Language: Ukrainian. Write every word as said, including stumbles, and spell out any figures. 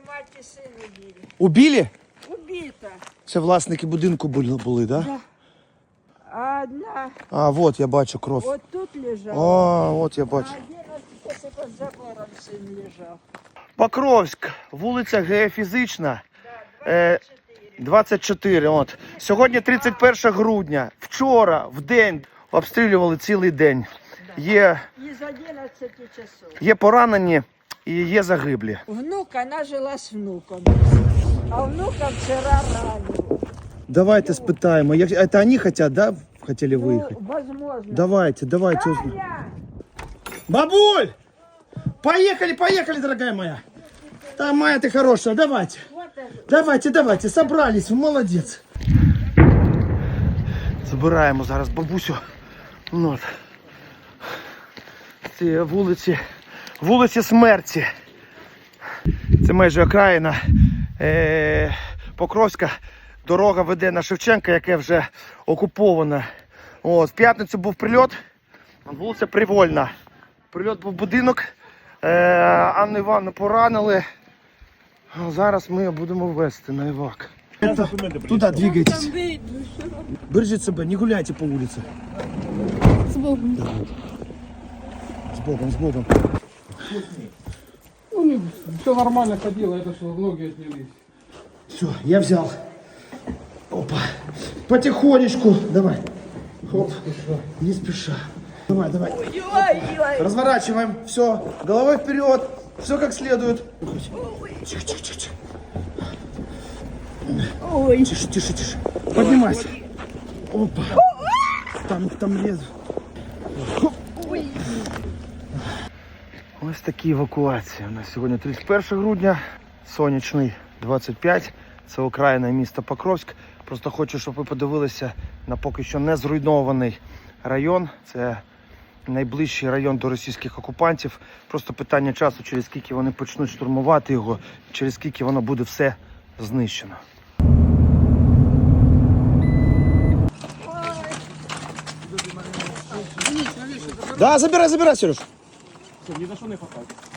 мать і син убили. Убили? Убита. Це власники будинку були, були, да? Да. А одна А, вот я бачу кров. вот тут лежала. О, от я А бачу. одинадцять під забором син лежав. Покровськ, вулиця Геофізична, е, двадцять чотири. От. Сьогодні тридцять перше грудня. Вчора, в день, обстрілювали цілий день. Є, Із одинадцяти часов. є поранені і є загиблі. Внук, вона жила з внуком. А внука вчора ранив. Давайте спитаємо. Як- Это они хотят, да? Хотели Ну, выехать? возможно. Давайте, давайте узнаем. Таня! Бабуль! Поехали, поехали, дорогая моя. Там моя ты хорошая, давайте. Вот это. Давайте, давайте, собрались, молодець. Забираємо зараз бабусю. Ну, от. Ці вулиці, вулиці Смерті. Це майже окраїна е, Покровська. Дорога веде на Шевченка, яке вже окуповане. От, в п'ятницю був прильот, вулиця Привольна. Прильот був в будинок, е, Анну Івановну поранили. А зараз ми будемо везти на івак. Туда двигайтесь. Бережіть себе, не гуляйте по вулиці. З Богом. З Богом, з Богом. Ну, не, все нормально ходило, это что, ноги отнялись. Все, я взял. Опа. Потихонечку. Давай. Хоп. Не спеша. Давай, давай. Разворачиваем. Все. Головой вперед. Все как следует. Тихо, тихо, тихо, тихо. Ой. Тише, тише, тише. Поднимайся. Опа. Там, там лезу. Ось такі евакуації. У нас сьогодні тридцять перше грудня, сонячний двадцять п'ять. Це окраїна міста Покровськ. Просто хочу, щоб ви подивилися на поки що не зруйнований район. Це найближчий район до російських окупантів. Просто питання часу, через скільки вони почнуть штурмувати його, через скільки воно буде все знищено. Да, забирай, забирай, Сереж. Все, ни за что не хватает.